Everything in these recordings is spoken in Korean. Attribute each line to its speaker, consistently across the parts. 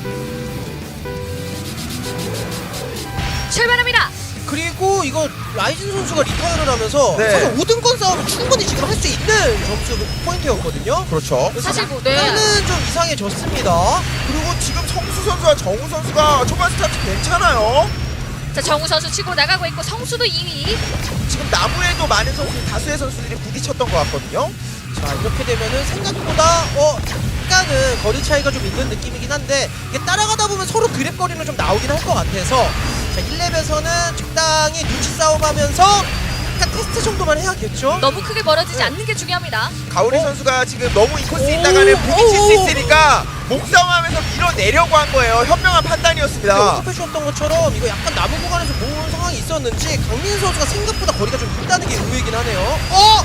Speaker 1: 출발합니다.
Speaker 2: 그리고 이거 라이징 선수가 리타이어를 하면서
Speaker 3: 네.
Speaker 2: 사실 5등권 싸움은 충분히 지금 할 수 있는 점수 포인트였거든요.
Speaker 3: 그렇죠.
Speaker 1: 사실 뭐 네.
Speaker 2: 약간은 좀 이상해졌습니다.
Speaker 3: 그리고 지금 성수 선수와 정우 선수가 초반 스타트 괜찮아요.
Speaker 1: 자, 정우 선수 치고 나가고 있고 성수도 2위.
Speaker 3: 지금 나무에도 많은 다수의 선수들이 부딪혔던 것 같거든요.
Speaker 2: 자, 이렇게 되면은 생각보다 약간은 거리 차이가 좀 있는 느낌이긴 한데 이게 따라가다 보면 서로 그랩거리는 좀 나오긴 할 것 같아서 자, 1렙에서는 적당히 눈치 싸움하면서 약간 테스트 정도만 해야겠죠?
Speaker 1: 너무 크게 멀어지지
Speaker 2: 네.
Speaker 1: 않는 게 중요합니다.
Speaker 3: 가오리 선수가 지금 너무 인코스에 있다가는 부딪힐 수 있으니까 몸싸움하면서 밀어내려고 한 거예요. 현명한 판단이었습니다.
Speaker 2: 언급해 주셨던 것처럼 이거 약간 남은 구간에서 모은 상황이 있었는지 강민 선수가 생각보다 거리가 좀 있다는 게 의외이긴 하네요.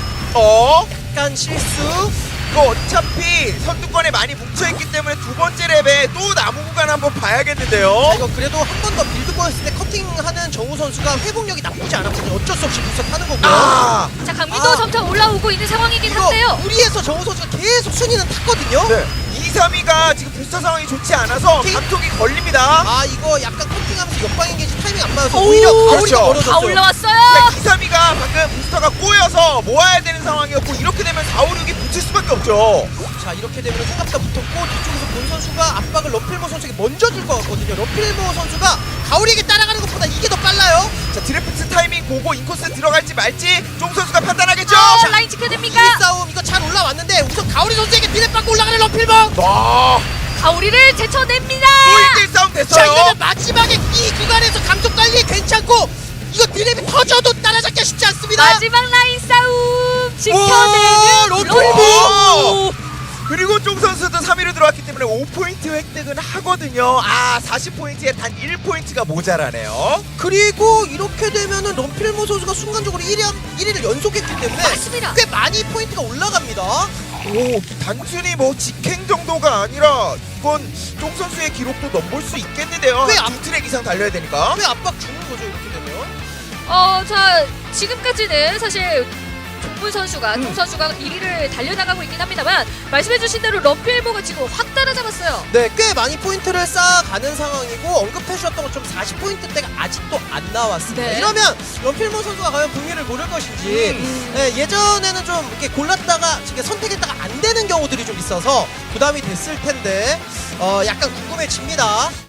Speaker 2: 약간 실수.
Speaker 3: 이거 어차피 선두권에 많이 뭉쳐있기 때문에 두 번째 랩에 또 나무 구간 한번 봐야겠는데요.
Speaker 2: 자, 이거 그래도 한 번 더 빌드 보였을 때 커팅하는 정우 선수가 회복력이 나쁘지 않았거든요. 어쩔 수 없이 부서 타는 거고요.
Speaker 1: 자, 강민도 점차 올라오고 있는 상황이긴
Speaker 2: 이거
Speaker 1: 한데요.
Speaker 2: 무리해서 정우 선수가 계속 순위는 탔거든요.
Speaker 3: 네. 2, 3위가 지금 부스터 상황이 좋지 않아서 감독이 걸립니다.
Speaker 2: 아, 이거 약간 커팅하면서 옆방에 계신 타이밍 안 맞아서
Speaker 1: 오,
Speaker 2: 오히려 가오리가
Speaker 3: 그렇죠.
Speaker 1: 다
Speaker 2: 멀어졌어요.
Speaker 1: 올라왔어요.
Speaker 3: 2, 3위가 방금 부스터가 꼬여서 모아야 되는 상황이었고 이렇게 되면 4, 5, 6이 붙일 수밖에 없죠.
Speaker 2: 자, 이렇게 되면 생각보다 붙었고 뒤쪽에서 본 선수가 압박을 러필모 선수에게 먼저 줄 것 같거든요. 러필모 선수가 가오리에게 따라가는 것보다 이게 더 빨라요.
Speaker 3: 자, 드래프트 타이밍 보고 인코스 들어갈지 말지 종 선수가 판단하겠죠.
Speaker 1: 자, 라인 지켜야 됩니까?
Speaker 2: 이 싸움 이거 잘 올라왔는데 우선 가오리 선수에게 비례 받고 올라가는 러필모.
Speaker 3: 와,
Speaker 1: 가오리를 제쳐냅니다.
Speaker 3: 또 1대1 싸움
Speaker 2: 자,
Speaker 3: 됐어요.
Speaker 2: 이러면 마지막에 이 구간에서 감속 관리 괜찮고 이거 드랩이 터져도 따라잡기 쉽지 않습니다.
Speaker 1: 마지막 라인 싸움
Speaker 2: 오,
Speaker 1: 지켜내는
Speaker 2: 롤
Speaker 1: 롤보.
Speaker 3: 그리고 종 선수도 3위로 들어왔기 때문에 5포인트 획득은 하거든요. 아, 40포인트에 단 1포인트가 모자라네요.
Speaker 2: 그리고 이렇게 되면은 럼필모 선수가 순간적으로 1위를 연속했기 때문에
Speaker 1: 맞습니다.
Speaker 2: 꽤 많이 포인트가 올라갑니다.
Speaker 3: 오, 단순히 뭐 직행 정도가 아니라 이건 종 선수의 기록도 넘볼 수 있겠는데요.
Speaker 2: 왜
Speaker 3: 두 트랙 이상 달려야 되니까.
Speaker 2: 왜 압박 주는 거죠 이렇게 되면?
Speaker 1: 자, 지금까지는 사실 종문 선수가, 종 선수가 1위를 달려나가고 있긴 합니다만 말씀해주신 대로 럼필모가 지금 확 따라잡았어요.
Speaker 2: 네, 꽤 많이 포인트를 쌓아가는 상황이고 언급해 주셨던 것처럼 40포인트대가 아직도 안 나왔습니다.
Speaker 1: 네.
Speaker 2: 이러면 럼필모 선수가 과연 분위를 모를 것인지 네, 예전에는 좀 이렇게 골랐다가 이렇게 선택했다가 안 되는 경우들이 좀 있어서 부담이 됐을 텐데 약간 궁금해집니다.